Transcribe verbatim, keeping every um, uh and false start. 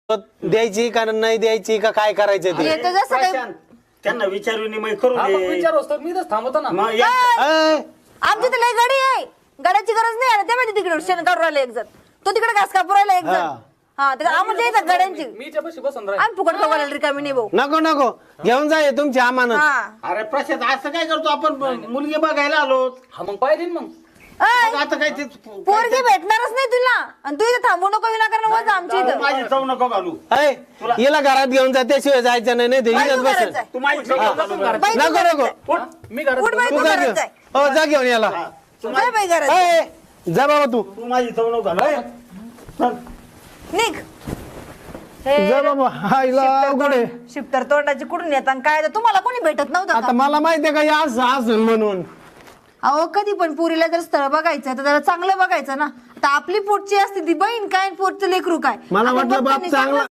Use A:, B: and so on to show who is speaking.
A: द्यायची का नाही द्यायची का काय करायचं ते
B: येतं जसं काही
C: प्रशांत, त्यांना विचार विनिमय करू
D: हा, मग
C: दे.
D: विचार असतो मी तर थांबतो ना.
C: मग या-
A: अय,
B: आमची तर लय गडी आहे, गड्याची गरज नाही आहे. ते माहिती तिकडे शेण काढून राहिला एक जण, तो तिकडे घास कापून राहिला एक जण.
A: हा.
B: हा तर आम्हाला येतात गड्यांची,
D: मी त्यापाशी बसून राहील.
B: आम्ही फुकट बघायला रिकामी नाही भाऊ.
A: नको नको घेऊन जा हे तुमची अमानत.
B: हा
C: अरे प्रशांत असं काय करतो आपण मुलगी बघायला आलो
D: हा मग पाहिजे ना मग.
B: अय,
C: आता काय ते
B: पोरगी भेटणारच नाही तुला आणि तू इथं थांबू नको विनाकारण वजा आमच्या इथं.
C: माझी चव नको घालू.
A: अय हिला घरात घेऊन जा त्याशिवाय जायचं नाही नाही ते
B: बाई,
A: इथंच
B: तू
A: बसेल.
B: घरात जाय.
C: तू माझी चव नको घालू.
B: बाई, तू
A: नको
B: घरात
A: नको
B: जाय.
C: उठ.
D: मी घरात
B: उठ बाई,
A: तू
B: तू
A: जा
B: घरात
A: घेऊन
B: जाय.
A: हो जा घेऊन याला.
B: जाय बाई घरात जाय.
A: अय जा बाबा तू
C: तू माझी चव नको घालू. चल.
B: निघ. हे
A: जा बाबा हा हिला अवघड आहे.
B: शिफ्टर तोंडाची कुठून येतात आणि काय तर तुम्हाला कोणी भेटत नव्हतं
A: आता
B: का?
A: मला माहितीये का या असं असून म्हणून
B: अहो कधी पण पुरीला जर स्थळ बघायचं तर त्याला चांगलं बघायचं ना. आता आपली पोटची असते ती बहीण काय पोटचं लेकरू काय.
A: मला
B: आता
A: वाटलं बाप
B: बघताना
A: चांगला